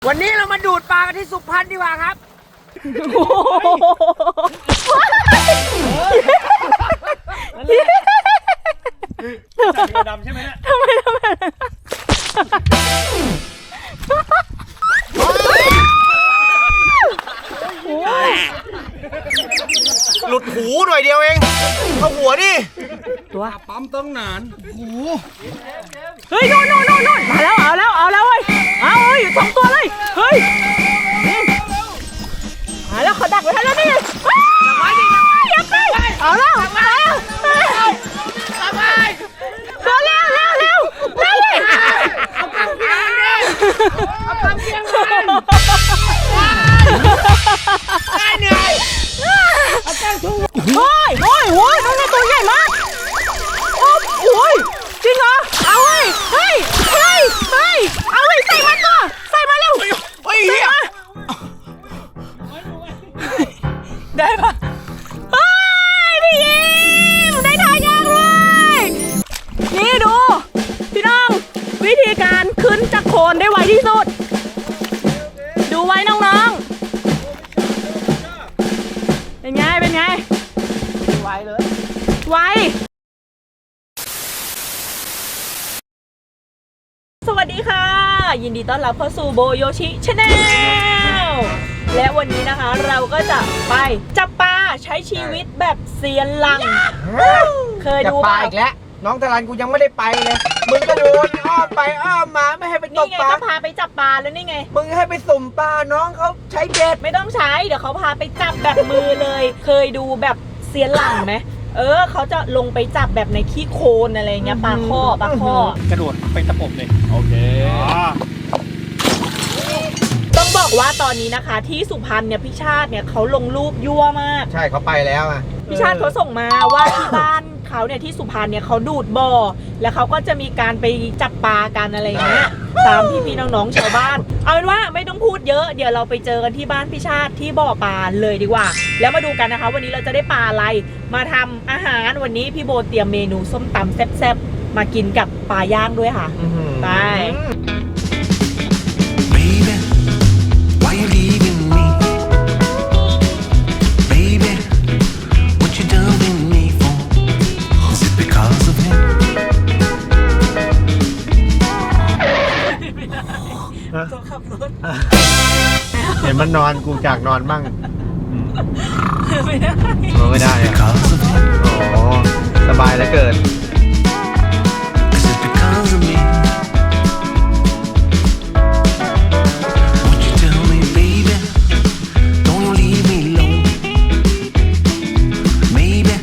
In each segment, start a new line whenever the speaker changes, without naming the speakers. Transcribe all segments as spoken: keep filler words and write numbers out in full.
วันนี้เรามาดูดปลากันที่สุพรรณดีกว่าครับ
จับดำใช่ไหมเนี่ย
ทำไมทำไม
หลุดหูหน่อยเดียวเองเข้าหัวดิ
ตัว
ปั๊มต้องนานโอ้โห
เฮ้ยโน่นโน่นโน่นโน่นมาแล้วเอาแล้วเอาแล้วเว้ยเอาเฮ้ยอยู่สองตัวเลยเฮ้ยมาแล้วเขาดักไว้ให้แล้วนี่จับไว้ดิจับไว้เอาแล้วเอาแล้วจับไว้เร็วเร็วเร็วเร็วเร็วเอากำเพียงเอากำเพียงได้เหนื่อยเอาแก้งทุ่งโอ้ยโอ้ยโอ้ยน้องนี่ตัวใหญ่มากโอ้ยจริงเหรอเอาเฮ้ยเฮ้ยเฮ้ยเฮ้ยเอาเลยใส่มันก่อนใส่มาเร็วเฮ้ยได้ปะเฮ้ยพี่ยิ้มได้ทายางเลยนี่ดูพี่น้องวิธีการขึ้นจากโคนได้ไวที่สุดดูไว้น้องๆเป็นไงเป็นไงไวเลยไวสวัสดีค่ะยินดีต้อนรับเข้าสู่โบโยชิชาแนลและวันนี้นะคะเราก็จะไปจับปลาใช้ชีวิตแบบเซียนหลังเคยดู
ปลาอีกแล้วน้องตะลันกูยังไม่ได้ไปเลยมึงก็โดนอ้อมไปอ้อมมาไม่ให้ไปต
นี่
ก
ไง
ปลา
ก็พาไปจับปลาแล้วนี่ไง
มึงให้ไปสุ่มปลาน้องเขาใช้เบ็ด
ไม่ต้องใช้เดี๋ยวเขาพาไปจับแบบมือเลย เคยดูแบบเซียนหลังไหมเออเขาจะลงไปจับแบบในขี้โคลนอะไรเงี้ยปลาข้อปลาข้อก
ระโดดไปตะปบเลยโอเค
ต้องบอกว่าตอนนี้นะคะ ที่สุพรรณเนี่ยพี่ชาติเนี่ยเขาลงรูปยั่วมาก
ใช่เขาไปแล้วอ่ะ
พี่ชาติเขาส่งมาว่าที่บ้านเขาเนี่ยที่สุพรรณเนี่ยเขาดูดบ่อแล้วเขาก็จะมีการไปจับปลากันอะไรเงี้ยตามพี่พี่น้องๆชาวบ้านเอาเป็นว่าไม่ต้องพูดเยอะเดี๋ยวเราไปเจอกันที่บ้านพี่ชาติที่บ่อปลาเลยดีกว่าแล้วมาดูกันนะคะวันนี้เราจะได้ปลาอะไรมาทำอาหารวันนี้พี่โบเตรียมเมนูส้มตำแซ่บๆมากินกับปลาย่างด้วยค่ะไป
Baby, why you leaving me? Baby, what you done with me for? Is it because of him?
ตัวขับรถ
เห็นมันนอนกูจากนอนบ้าง
ไม่ได้
ไม่ได้อะ
Because of him?
โอ้สบายเหลือเกิน
Is it because of me? Would you tell me, baby? Don't you leave me alone? Maybe.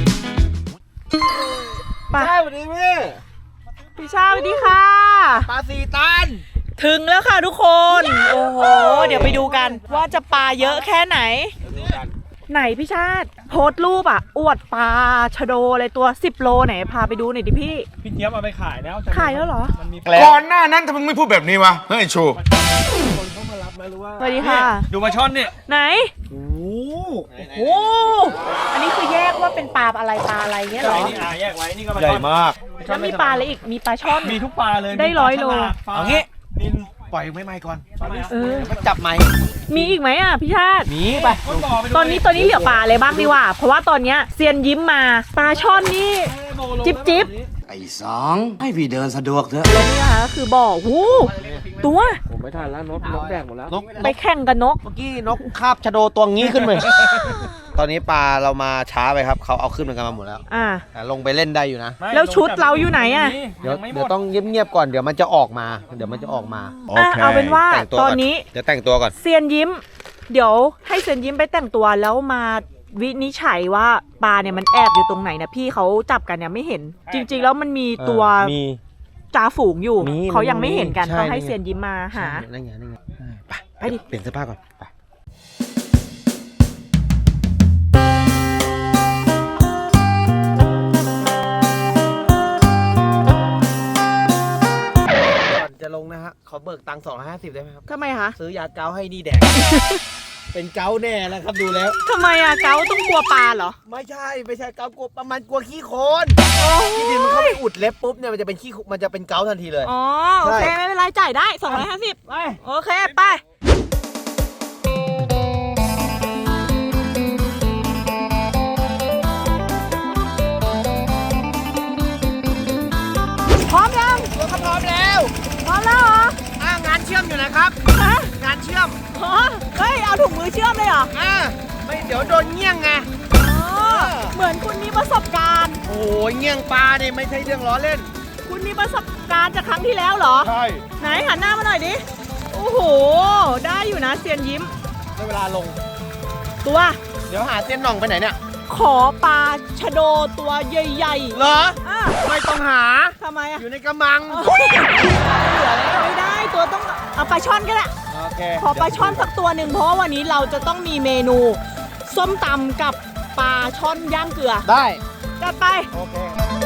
ปลา
ใช่สวัสดีพี่
พี่ชาสวัสดีค่ะ
ปลาสีตัน
ถึงแล้วค่ะทุกคน โอ้โห เดี๋ยวไปดูกันว่าจะปลาเยอะแค่ไหน ไหนพี่ชาติโพสต์รูปอ่ะ อวดปลาชะโดเลยตัวสิบโลไหนพาไปดูหน่อยดิพี่
พี่เจี๊ยบเอาไปขายแล้ว
ขายแล้วเหรอ
มันมี
ก่อนหน้านั้นทำไมไม่พูดแบบนี้วะ เฮ้ยชู
คนเข้ามารับไหมหรือว่า
สวัสดีค่ะ
ดูมาช่อนเนี่ย
ไหน
โอ้
โอ้อันนี้คือแยกว่าเป็นปลาอะไรปลาอะไรเงี้ยเหรอ
นี่อ่ะแยกไว้นี่ก็มา
ใหญ่
ช่อน
มาก
แล้วมีปลาอะไรอีก มีปลาช่อน
มีทุกปลาเลย
ได้ร้อยโล
เอางี้
นิน
ปล่อยไม่ไม่ก่อน
เออ
มาจับไหม
มีอีกไหมอ่ะพี่ชาติ
หนีไป
คนบ่อไปดู
ตอนนี้ตอนนี้เหลือปลาอะไรบ้างดีกว่า เพราะว่าตอนเนี้ยเซียนยิ้มมาปลาช่อนนี่ จิ๊บจิ๊บ
ไอ้สองให้พี่เดินสะดวกเถอะ
แล้วนี่นะคะก็คือบ่อหูตัว
ผมไม่ทันแล้วนกนกแดงหมดแล้ว
นก
ไปแข่งกับนก
เมื่อกี้นกคาบชะโดตัวงี้ขึ้นมา ตอนนี้ปลาเรามาช้าไปครับ เขาเอาขึ้นกันมาหมดแล้ว
อ่า
แต่ลงไปเล่นได้อยู่นะ
แล้วชุดเราอยู่ไหนอะ
เดี๋ยว
งไม่หม
เดี๋ยวต้องเงียบๆก่อน เดี๋ยวมันจะออกมา เดี๋ยวมันจะออกมา
อ่ะเอาเป็นว่า
แต่งตัว
ต
ก่
อ
อน น
นี้
เดี๋ยวแต่งตัวก่อน
เซียนยิ้ม เดี๋ยวให้เซียนยิ้มไปแต่งตัวแล้วมาวินิจฉัยว่าปลาเนี่ยมันแอบอยู่ตรงไหนนะพี่เขาจับกันเนี่ยไม่เห็น จริง ๆ แล้วมันมีตัว
มี
จ่าฝูงอยู่
มี
เขายังไม่เห็นกัน
ใช่
ต้องให้
นี่ไง
เซียนยิ้มมาหา
นั่นไงนั่นไงไป
ไปดิ
เปลี่ยนเสื้อผ้าก่อนไปก่อนจะลงนะฮะขอเบิกตังค์สองร้อยห้าสิบได้ไหมครับ
ทำไมคะ
ซื้อยาเกาให้นี่แดกเป็นเกาแน่แล้วครับดูแล้ว
ทำไมอะเกาต้องกลัวปลาเหรอ
ไม่ใช่ไม่ใช่เกากลัวประมาณกลัวขี้โคลนที่ดินมันเข้าไปอุดเล็บปุ๊บเนี่ยมันจะเป็นขี้มันจะเป็นเกาทันทีเลย
อ๋อ โอเค ไม่เป็นไร จ่ายได้สองร้อยห้าสิบ
ไป
โอเค ไป พร้อมยัง
ตัวก็พร้อมแล้ว
พร้อมแล้วเหรอ
อ่างานเชื่อมอยู่นะครับ
ฮะ
งานเชื่อม
อ๋อเฮ้ย เอาถุงมือเชื่อมเลยเหรอ
อ่าไม่เดี๋ยวโดนเงี้ยงไง
อ๋อ เหมือนคุณมีประสบการณ์
โอ้ยเงี้ยงปลาเนี่ยไม่ใช่เรื่องล้อเล่น
คุณมีประสบการณ์จากครั้งที่แล้วเหรอ
ใช่
ไหนหันหน้ามาหน่อยดิ โอ้โห ได้อยู่นะเซียนยิ้ม
ได้เวลาลง
ตัว
เดี๋ยวหาเส้นหน่องไปไหนเนี่ย
ขอปลาชะโดตัวใหญ่
เหรอ
ๆอ่ะ
ไม่ต้องหา
ทำไมอ่ะ
อยู่ในกระมัง
ไม่ได้ตัวต้องเอาปลาช่อนก็ได้
โอเค
ขอปลาช่อนสักตัวหนึ่งเพราะว่าวันนี้เราจะต้องมีเมนูส้มตำกับปลาช่อนย่างเกลือ
ได้
จัดไป
โอเค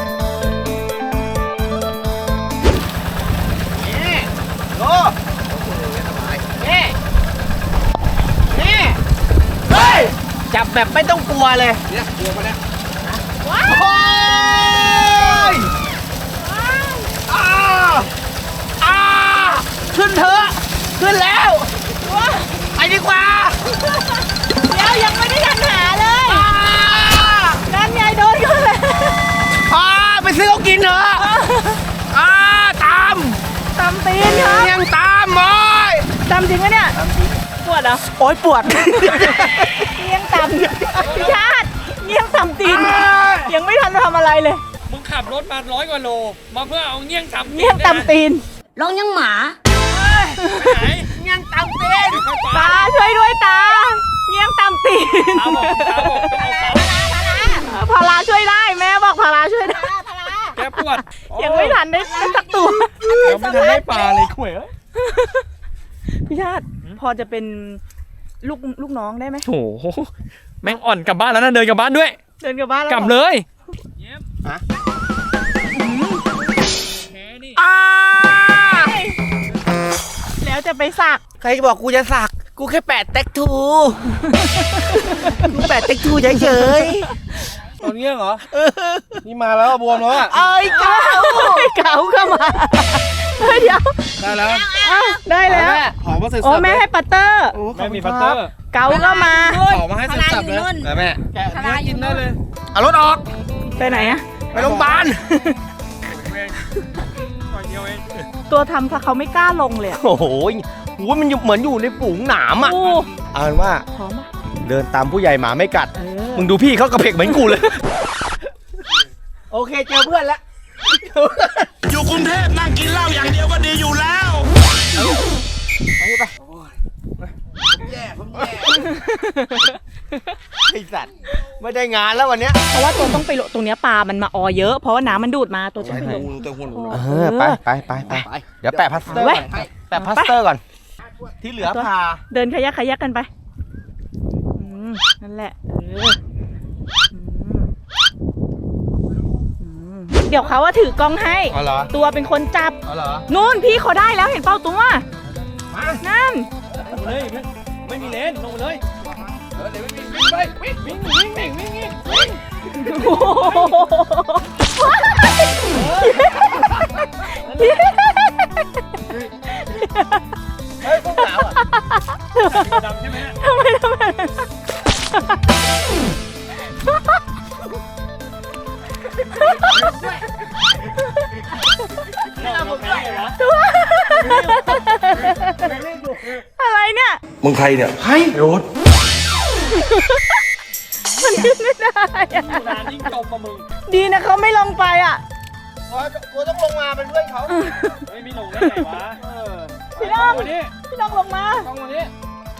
นี่โลโอ้โหสบายนี่ นี่ เฮ้ย จับแบบไม่ต้องกลัวเลย เนี่ยกลัวปะเนี่ย
ว้าว
โอ้ยอ้าอ้าขึ้นเถอะ ขึ้นแล้ว ไปดีกว่า
เดี๋ยวยังไม่ได้ทันหาเลย
อ้า
นั่นไงโดนกันเลย
อ้าไปซื้อเขากินเถอะอ้าตาม
ตำตีนครับ
ยังตามโอ้ย
ตำจริงไหมเนี่ยปวดเหรอ
โอ้ยปวด
เงี้ยงตำพี่ชาติเงี้ยงตำตีนยังไม่ทันทำอะไรเลย
มึงขับรถมาร้อยกว่าโล มาเพื่อเอาเงี้ยงทำ
เงี้ยงตำตีน
ร้องยังหมา
ไปไหน
ยังตามเป็น
ตาช่วยด้วยตาเงี้ยงตำตีน
ตาบอกตาบอกต้องเอาตา
พาราช่วยได้แม่บอกพาราช่วยได้
แกปวด
ยังไม่ทันได้สักตัว
ยังไม่ทันได้ปลาเลยข่วยเอ้ย
พี่ชาติพอจะเป็นลูกลูกน้องได้ไหม
โอ้โหแม่งอ่อนกลับบ้านแล้วนะเดินกลับบ้านด้วย
เดินกลับบ้านแล้ว
กลับเลยเยี่ยม
ฮะ
แค่นี่
อ้า
แล้วจะไปสัก
ใครบอกกูจะสัก กูแค่แปะเต็กทู กูแปะเต็กทูเฉย
ตอนเงี้ยเหรอ นี่มาแล้วบวมแล้วอ่ะ
ๆเอ้ยเก้า
เก๋าก็มาเฮ้ยเดี๋ยว
ได้แล้ว
อ้าวได้แล้ว
หอมมาเสร็จ
โอ้แม่ให้ปัตเตอร์
แม่มีพัตเตอร์
เก๋าก็มา
หอมมาให้เสร็จสับเลยนะแม่แกะเนื้อกินได้เลย
เอารถออก
ไปไหนอะ
ไปโรงพยาบาล
เองหน่อยเดียวเอง
ตัวทำถ้าเขาไม่กล้าลงเลยอะ
โอ้โหโหมันอยู่เหมือนอยู่ในฝูงหนามอ่ะ
โอ้
เอาเป็นว่า
พร้อมปะ
เดินตามผู้ใหญ่หมาไม่กัด
เออ
มึงดูพี่เขากระเพกเหมือนกูเลย โอเคเจอเพื่อนแล้ว
อยู่กรุงเทพนั่งกินเหล้าอย่างเดียวก็ดีอยู่แล้ว
ไปไปผมแย่ผมแย่ไอสัตว์ไม่ได้งานแล้ววันเนี้ย
เพราะว่าตัวต้องไปลงตรงเนี้ยปลามันมาออเยอะ เพราะว่าน้ำมันดูดมาตัวต้องไปลง
เออไปไปไปไปเดี๋ยวแปะพลาสเตอร์
ไว้
ก่อนแปะพลาสเตอร์ก่อน ที่เหลือพา
เดินขยักขยักกันไปอืมนั่นแหละเอออืมอืมเดี๋ยวเขาว่าถือกล้องให้
อ๋อเหรอ
ตัวเป็นคนจับ
อ๋อเหรอ
นู่นพี่เขาได้แล้วเห็นเป้าตัว
มา
นั่น
ลงเลยไม่ไม่มีเลนลงเลยเออเดี๋ยววิ่งวิ่งไปวิ่งวิ่งวิ่งวิ่งวิ่งวิ่งวิ่ง
โอ้โห
เฮ้ยพวกสาวอ่ะ
ดำใช่ไหม
ทำไมทำไม
นี่เราผมด้วยเหรอ
อะไรเนี่ย
มึงใครเนี่ยให้โรถ
มันขึ้นไม่ได้อะ
นานยิ่งจมมามึง
ดีนะเขาไม่ลงไปอ่ะ
กูต้องลงมาเป็นเพื่อนเขา
ไม่มีลงได้ไงวะเออ
พี่น้อง
วันนี้
พี่น้องลงมา
ต้องวันนี้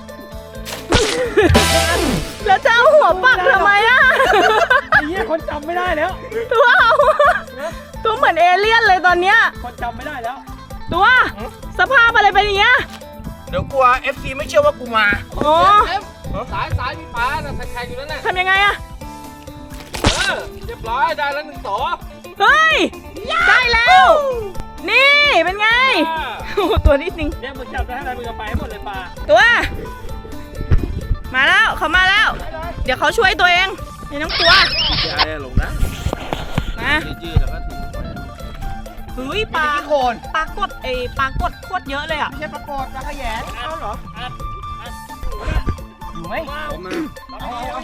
แล้วจะเอาหัวปักทำไมอ่ะ
ไอ้เหี้ยคนจำไม่ได้แล้ว
ตัวเอาตัวเหมือนเอเลี่ยนเลยตอนเนี้ย
คนจำไม่ได้แล้ว
ตัวสภาพอะไรเป็นอย่างเงี้ย
เดี๋ยวกลัว เอฟ ซี ไม่เชื่อว่ากูมา
โอ้
สายสายมีปลาน่ะแข่งอยู่นั่นแหละ
ทำยังไงอะ
เออเรียบร้อยได้แล้วหนึ่งต่อ
เฮ้ย ได้แล้ว นี่เป็นไงโอ้โหตัวนิดนึง
เนี่ยมึงจับได้เท่าไหร่มึงจะไปให้หมดเลยปลา
ตัวมาแล้วเขามาแล้ว เดี๋ยวเขาช่วยตัวเองไม่ต้องกลัว
อย่าลงนะ
มา
ยืดแล้วก็ถึงไป
เฮ้ยปลา
โคน
ปลากดเอปลากดโคตรเยอะเลยอ่ะ
เทียบประกอดปลาขยงเอาเหรออยู่ไหมผมมาเอาเอา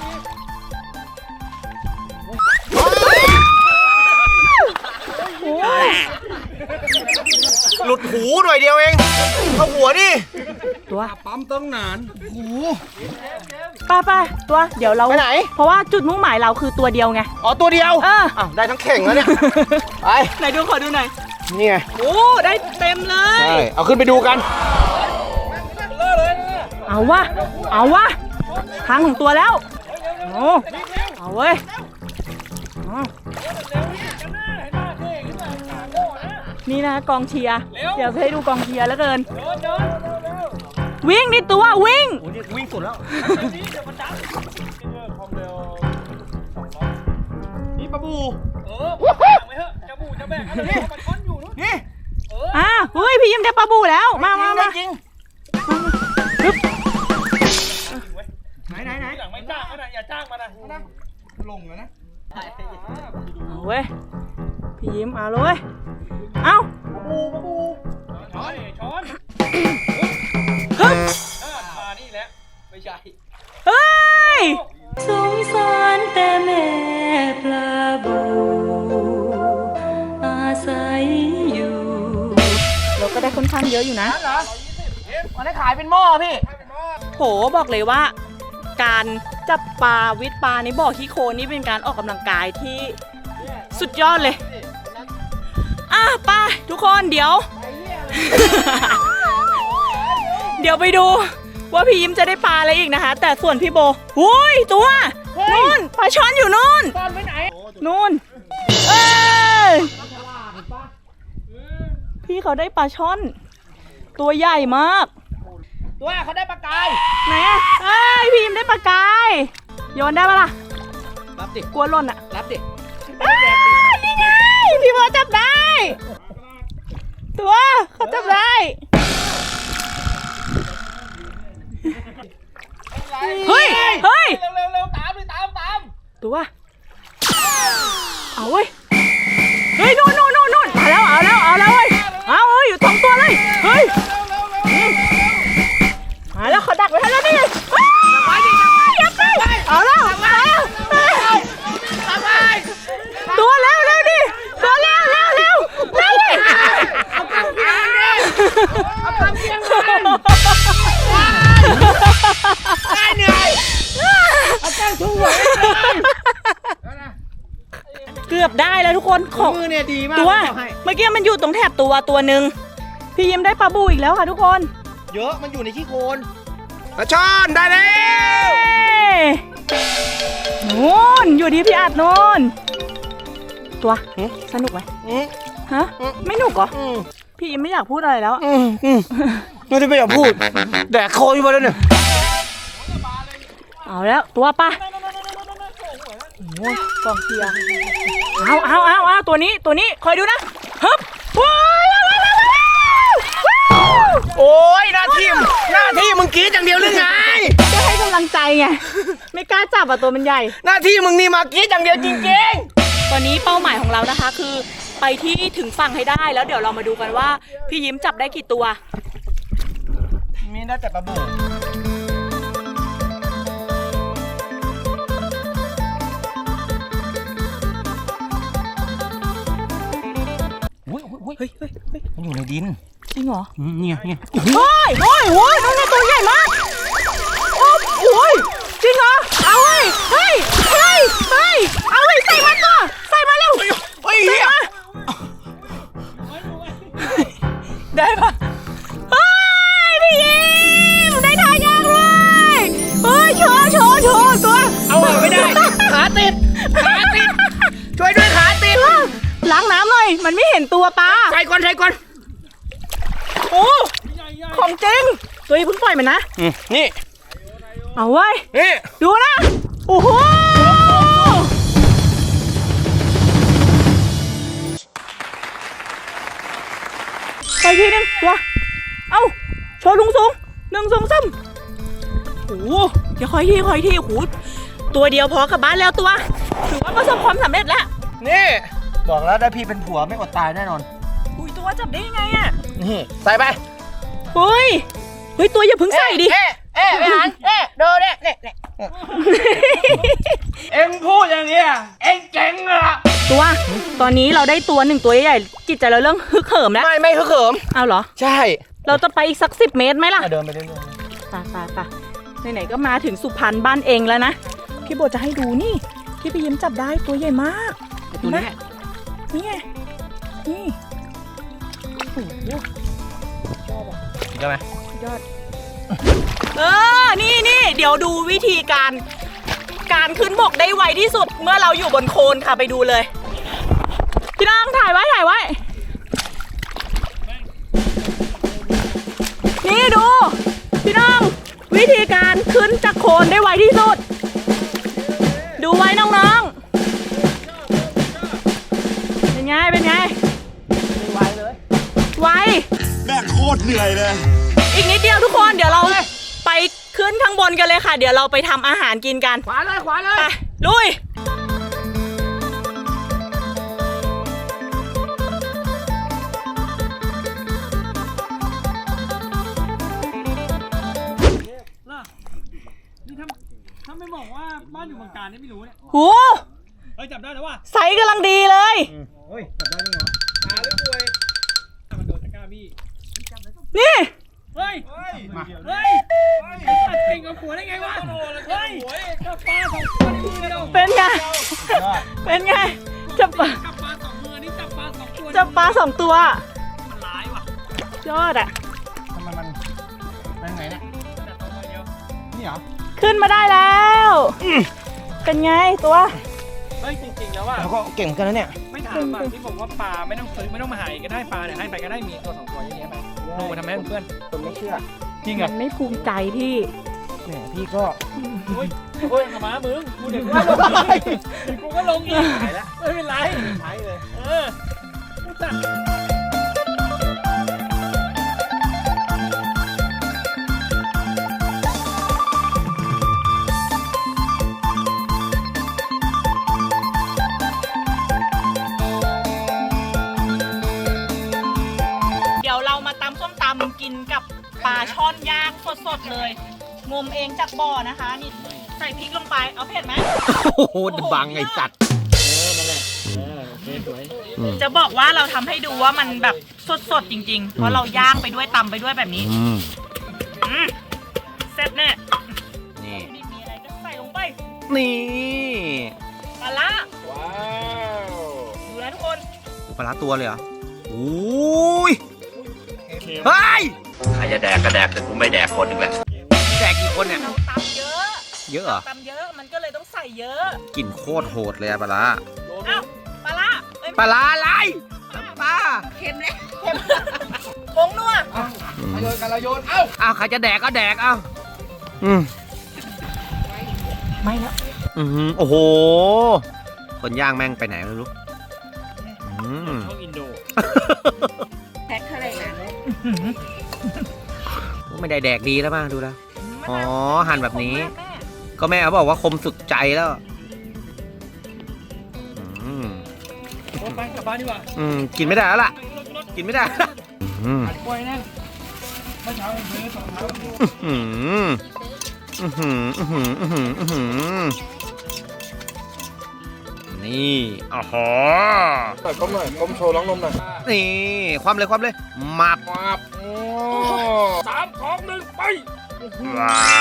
หลุดหูหน่อยเดียวเองเอาหัวดิ
ตัว
ปั๊มตั้งนานหู
ไปไปตัวเดี๋ยวเรา
ไปไหน
เพราะว่าจุดมุ่งหมายเราคือตัวเดียวไง
อ๋อตัวเดียว
เออ
อ้าวได้ทั้งเข่งแล้วเนี่ยไป
ไหนดูขอดูหน่อย
นี่ไง
โอ้ได้เต็มเลย
ใช่เอาขึ้นไปดูกัน
เอาวะเอาวะทางของตัวแล้วโอ้เอาเว้ยเอานี่นะกองเชียร์เดี๋ยวให้ดูกองเชียร์แล้วเกินวิ่งนี่ตัววิ่ง
โอ้ยวิ่งสุดแล้ว นี่ปลาบู
เออไม่เหอะจะบูจะแบกกันเลยมันช้อนอยู่นู้น
นี่
อ่ะเฮ้ยพี่ยิ้มได้ปลาบูแล้วมามามา
จริง ไหนไหนไหน
หลังไม่จ้างมันนะอย่าจ้างมันนะ
ลงแล้วนะ
เอาเว้ยพี่ยิ้มเอาเลยเอา
ปูปลาบู
ช้อนช้อน
ฮึบ
มานี่แหละไม่ใช่
เฮ้ยสงสารแต่แม่ปลาบูอาศัยอยู่เราก็ได้ค่อนข้างเยอะอยู่นะ
เหรอวันนี้ขายเป็นหม้อพี่
โหบอกเลยว่า การจับปลาวิทย์ปลาในบ่อขี้โคลนนี่เป็นการออกกำลังกายที่สุดยอดเลยอ่ะไปทุกคนเดี๋ยว เดี๋ยวไปดูว่าพี่ยิ้มจะได้ปลาอะไรอีกนะคะ แต่ส่วนพี่โบหุยตัวนู่นปลาช่อนอยู่นู่น
ตอนไปไหน
นู่นเอ้ยพี่เขาได้ปลาช่อน ตัวใหญ่มาก
ตัวเขาได้ปลากาย
ไหนอ่ะเอ้ยพี่ยิ้มได้ปลากายโยนได้ปะล่ะ
รับดิ
กลัวหล่นอ่ะ
รับดิ
อ้าวนี่ไงพี่โบจับได้ ตัวเขาจับได้เฮ้ยเฮ้ย
เร็วเร็วเร็วตามเลยตามตาม
ตัวเอาเว้ยเฮ้ยนู่นนู่นนู่นนู่นมาแล้วเอาแล้วเอาแล้วเว้ยเอาเฮ้ยอยู่สองตัวเลยเฮ้ยมาแล้วเขาดักไว้ให้แล้วนี่อย่าไปเอาแล้วมาแล้วตัวเร็วเร็วดิตัวเร็วเร็วเร็วเร็วดิเอากำเพียงดิเอากำเพียงดิได้เหนื่อยเอากำทุ่งหัวเกือบได้แล้วทุกคนของ
มือเนี่ยดีมาก
ตัว
บอกให้
เมื่อกี้มันอยู่ตรงแถบตัวตัวหนึ่งพี่ยิ้มได้ปลาบูอีกแล้วค่ะทุกคน
เยอะมันอยู่ในขี้โคลนปลาช่อนได้แล้ว
นู่นอยู่ที่พี่อัดนู่นตัวสนุกไหม
อืม
ฮะไม่หนุกเหรอ
อืม
พี่ยิ้มไม่อยากพูดอะไรแล้ว
อืมอืมไม่ได้ไม่อยากพูดแดกโคยมาแล้วเนี่ย
เอาแล้วตัวปะโอ้ยกองเชียร์เอาเอาเอาเอาตัวนี้ตัวนี้คอยดูนะฮึบว้าว
โอ้ยหน้าที่มหน้าที่มึงกรีดอย่างเดียวหรือไง
จะให้กำลังใจไงไม่กล้าจับอ่ะตัวมันใหญ่
หน้าที่มึงนี่มากรีดอย่างเดียวจริง
ตอนนี้เป้าหมายของเรานะคะคือไปที่ถึงฝั่งให้ได้แล้วเดี๋ยวเรามาดูกันว่าพี่ยิ้มจับได้กี่ตัว
ๆมีน่าจะปลาบู อุ้ยอุ้ย
เฮ้ยเฮ้ยเฮ้ย
มันอยู่ในดิน
จริงเหรอ
อืมเนี่ยเนี่ย
โอ้ยโอ้ยโอ้ยน้องตัวใหญ่มากโอ้โอ้ยจริงเหรอเอาเฮ้ยเฮ้ยเฮ้ยเฮ้ยเอาเลยใส่มันก่อนใส่มาเร็ว
เฮ้ยเฮีย
ได้ปะเฮ้ยพี่ยิ้มได้ทายากเลยเฮ้ยโชว์โชว์โชว์ตัว
เอาออกไม่ได้ ขาติด ขาติด ช่วยด้วยขาติด
ล้างน้ำหน่อยมันไม่เห็นตัวปลา
ใส่ก่อนใส่ก่อน
โอ้ของจริงตัวนี้เพิ่งปล่อยมันนะ
อืมนี่
เอาไว้ย
นี่
ดูนะ โอ้โห ไปทีนึงตัว เอ้า โชว์ลุงสูงหนึ่งสองสามโอ้โหใดี๋ยวคอยที่คอยที่หูตัวเดียวพอกลับบ้านแล้วตัวถือว่าประสบความสำเร็จแล้ว
นี่บอกแล้วได้พี่เป็นผัวไม่อดตายแน่นอน
อุ้ยตัวจับได้ยังไงอะ
นี่ใส่ไป
เฮ้ยเฮ้ยตัวอย่าเพิ่งใส่ดิ
เอ๊ะเอ๊ะไม่หันเอ๊ะดูเนี่ยเนี่ยเนี่ย
เอ็งพูดอย่างเนี้ยเอ็งเจ๋งอะ
ตัวตอนนี้เราได้ตัวหนึ่งตัวใหญ่ๆจิตใจเราเรื่องฮึกเหิมแล้ว
ไม่ไม่คือเขิม
เอาเหรอ
ใช่
เราจะไปอีกสักสิบเมตรไหมล่ะ
เดินไปเรื่อย
ไปไปไปไหนๆก็มาถึงสุพรรณบ้านเองแล้วนะพี่โบจะให้ดูนี่ที่พี่ยิ้มจับได้ตัวใหญ่มาก
ๆตัวนี้
นี่ไงนี่โอ้โห
ใช่ไหม
ยอดเออนี่นี่เดี๋ยวดูวิธีการการขึ้นบกได้ไวที่สุดเมื่อเราอยู่บนโคลนค่ะไปดูเลยพี่น้องถ่ายไว้ถ่ายไว้นี่ดูพี่น้องวิธีการขึ้นจากโคลนได้ไวที่สุดดูไว้น้องๆเป็นไงเป็นไงไวเลยไว
แม่งโคตรเหนื่อยเลย
อีกนิดเดียวทุกคนเดี๋ยวเราไปขึ้นข้างบนกันเลยค่ะ เดี๋ยวเราไปทำอาหารกินกัน
ขวาเลยขวาเลย
ไปลุย
นี่ถ้าถ้าไม่บอกว่าบ้านอยู่บางการนี่ไม่รู้เนี่ย
หู
เฮ้ยจับได้แล้วว่ะ
ไซส์กำลังดีเลย
เฮ้ยจับได้ยังไง
ตาหรือป่วยมันโดนตะกร้าบี้
นี่
เฮ้ยมาเฮ้ยตัดเก่งกับผัวได้ไงวะเฮ้ยจับปลาสองตัวในมือเดียว
เป็นไงเป็นไงจับปลา
จับปลาสองมือนี่จับปลาสองตัว
จับปลาสองตัว
มันร้ายว่ะ
ยอดอ่ะ
ทำไมมันเป็นไงเนี่ย
จับตัวมือเดียว
นี่เหรอ
ขึ้นมาได้แล้วเป็นไงตัว
เฮ้ยจริงๆแล้วว่า
แล้วก็เก่งเหมือนกันนะเนี่ย
ไม่ถามอ่ะที่ผมว่าปลาไม่ต้องซื้อไม่ต้องมาหาเองก็ได้ปลาเนี่ยให้ไปก็ได้มีตัวสองตัวเยอะแยะไปลงไปทำให้เพื่อน
คนไม่เชื่อ
จริง
มั
อ่ะ
นไม่ภูมิใจที่
แหมพี่ก็
โอ้ยโอ้ยหมามึงกูเด็กว่าลงอีกกูก็ลงอีกไม่เป็นไรใช้เลยเออจัด
เดี๋ยวเรามาตำส้มตำกินกับปลาช่อนย่างสดๆเลย งมเองจากบ่อนะคะนี่ใส่พริกลงไปเอาเผ็ดไหม
โอ้โหบังไอ้สัตว์
จะบอกว่าเราทำให้ดูว่ามันแบบสดๆจริงๆ เพราะเราย่างไปด้วยตำไปด้วยแบบนี้อืมเสร็จแน่
นี่
นี่มีอะไรก็ใส่ลงไป
นี่
ปลาละ
ว้าว
ดูนะทุกคน
ปลาร้าตัวเลยเหรอโอ้ยเฮ้ย
ใครจะแดกก็แดกแต่กูไม่แดกคนหนึ่งแหละ
แจกกี่คนเนี่ย
เราตำเยอะ
เยอะเหรอ
ตำเยอะมันก็เลยต้องใส่เยอะ
กลิ่นโคตรโหดเลยอะปลาร้า
เอ้าปลาละเอ้ย
ปลาร้าอะไรน้ำปลา
เค็มเลยเค็มผงนัว
โยนกันละโยนเอ้า
อ้าวใครจะแดกก็แดกเอ้าอืม
ไม่แล้ว
อือหือโอ้โห คนย่างแม่งไปไหนไม่รู้อืม
ช่องอินโด
แพ็คเท่าไหร่นะ
ไม่ได้แดกดีแล้วมั้งดูแล้ว อ๋อหั่นแบบนี้
แม่
ก็แม่เขาบอกว่าคมสุดใจแล้วอืม
โอ้ไปกลับบ้านดีกว่า
อืมกินไม่ได้แล้วล่ะ กินไม่ได้แล้วอืม
อัดกล้วยนั่นเมื่อเช้าผมซื้อสองเท้า
อืมอืมอืมอืมอืมอืมอืมนี่อ๋อหอ
หน่อยก้มหน่อยก้มโชว์ร้องนมหน่อย
นี่ความเลยความเลยมาบ
มาบโอ้สามสองหนึ่งไป
ว้าว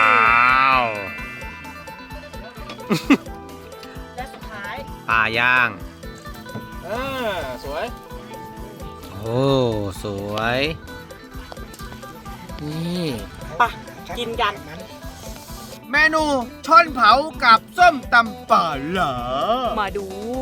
และสุดท้าย
ปลาย่าง
อ่าสวย
โอ้สวยนี่
ปะกินกัน
เมนูช่อนเผากับส้มตำปลาหลา
มาดู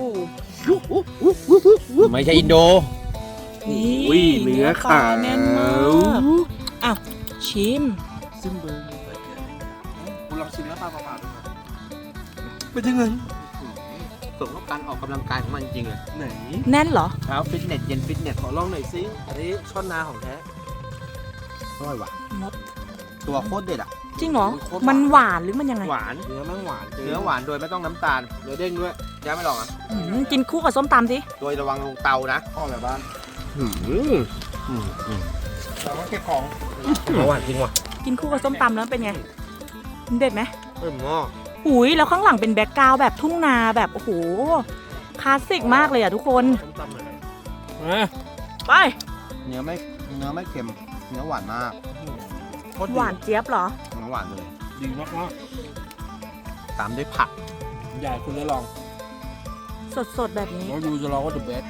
ไม่ใช่อินโด
นี่
อุ้ยเนื้อขาว
แน่นมากอ้าวชิม
ซิมเบอร์คุณลองชิมแล้วปลาเปล่าๆดู
เป็นยังไงสมกับการออกกำลังกายของมันจริงเลย
ไหน
แน่นเหรอ
เช้าฟิตเนสเย็นฟิตเนส
ขอลองหน่อยสิอันนี้ช่อนนาของแท้
อร่อยว่ะ
มด
ตัวโคตรเด็ดอ่ะ
จริงเหรอมันหวานหรือมันยังไง
หวาน
เนื้อมันหวาน
เนื้อหวานโดยไม่ต้องน้ำตาลเนื้อเด้งด้วยแจ๊ไม่ลองอ่ะ
อืมกินคู่กับส้มตำสิ
โดยระวังลงเตานะพ่อแบบบ้านอืมอืมอืมเราก็เก็บของหวานจริงว่ะ
กินคู่กับส้มตำแล้วเป็นไงเด็ดไหม
เอิ่มงอ
หุยแล้วข้างหลังเป็นแบ็กกราวด์แบบทุ่งนาแบบโอ้โหคลาสสิกมากเลยอ่ะทุกคน
ส้มตำเลยมา
ไป
เนื้อไม่เนื้อไม่เค็มเนื้อหวานมาก
หวานเจี๊ยบเหรอ
เนื้อหวานเลย
ดีมากมาก
ตามด้วยผัก
ใหญ่คุณได้ลอง
สดๆแบบนี้
แล้วยูจะลองว่า the best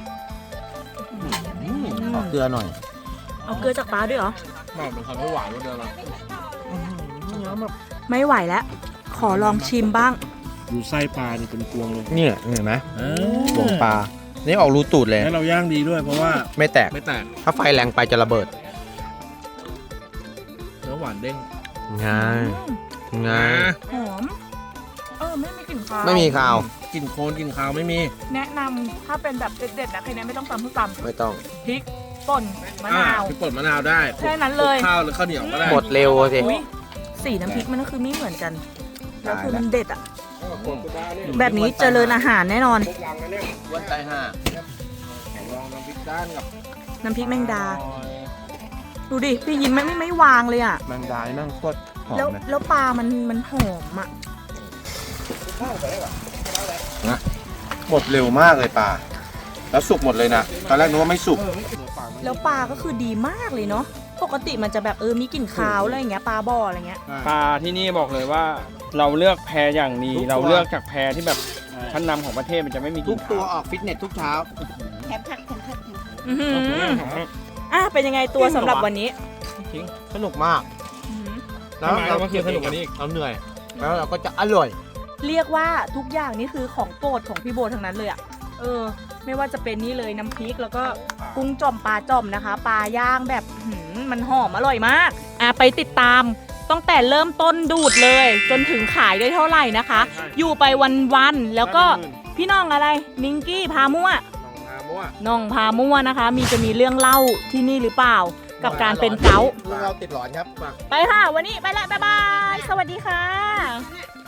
ขอเกลือหน่อย
เอาเกลือจากปลาด้วยเหรอ
มากเป็นคำไม่หวานกว่าเดิมอ่ะเนื้อแบบ
ไม่ไหวแล้ว ขอลองชิมบ้าง
ดูไส้ปลานี่เป็นพวงเลย
เนี่ยเห็นไหม
เอ
หวงปลา นี่ออกรูตูดเลย
แล้วเราย่างดีด้วยเพราะว่า
ไม่แตก
ไม่แตก
ถ้าไฟแรงไปจะระเบิด
เนื้อหวานเด้ง
ง่ายง่าย
หอม เออไม่มีกลิ่นคาว
ไม่มีข้าว
กลิ่นโคลนกลิ่นคาวไม่มี
แนะนำถ้าเป็นแบบเด็ดๆนะใครนั้นไม่ต้องตำทุกต
ไม่ต้อง
ำพริกป่นมะนาว
อ่พี่ป่นมะนาวได้
แค่นั้นเลย
ข้าวหรือข้าวเหนียวก็ได้
หมดเร็วสิ
อุ๊ยสีน้ำพริกมันก็คือไม่เหมือนกัน แล้วคือมันเด็ดอ่ะ แบ
แบบ
นี้เจริญอาหารแน่นอน
วันใจห้า
ลองน้ำพริกด้านกับ
น้ำพริกแมงดา ดูดิ พี่ยินไม่ไม่ไม่วางเลยอ่ะ
แมงดานี่แม่งโคตรหอม
แล้ว
เลย
แล้วปลามันมันหอมอ่ะ
หมดเร็วมากเลยปลา แล้วสุกหมดเลยนะ ตอนแรกนึกว่าไม่สุก
แล้วปลาก็คือดีมากเลยเนาะ ปกติมันจะแบบเออมีกลิ่นคาวอะไรอย่างเงี้ยปลาบ่ออะไรเงี้ย
ปลาที่นี่บอกเลยว่าเราเลือกแพอย่างดี
ทุกตัว
เราเลือกจากแพที่แบบชั้นนำของประเทศมันจะไม่มีก
ทุ
ลิ่
ก
น
ตัว
คาว
ออกฟิตเนสทุกเช้า
อื้อหืออ่ะเป็นยังไงตัวสำหรับวันนี้
สนุกมาก
อื้อหือ
แล้วเราก็สนุกกว่านี้อีกเราเหนื่อย แล้วเราก็จะอร่อย
เรียกว่าทุกอย่างนี่คือของโปรดของพี่โบทั้งนั้นเลยอ่ะ เออ ไม่ว่าจะเป็นนี่เลยน้ำพริกแล้วก็กุ้งจ่อมปลาจ่อมนะคะ ปลาย่างแบบหืมมันหอมอร่อยมาก อ่ะไปติดตามตั้งแต่เริ่มต้นดูดเลย จนถึงขายได้เท่าไหร่นะคะ อยู่ไปวันๆแล้วก็พี่น้องอะไรนิงกี้พามั่ว น้องพามั่วนะคะ มีจะมีเรื่องเล่าที่นี่หรือเปล่า กับการเป็นเก๊าต์
เราติดหลอนครับ
ไปค่ะ วันนี้ไปละบ๊ายบาย สวัสดีค่ะ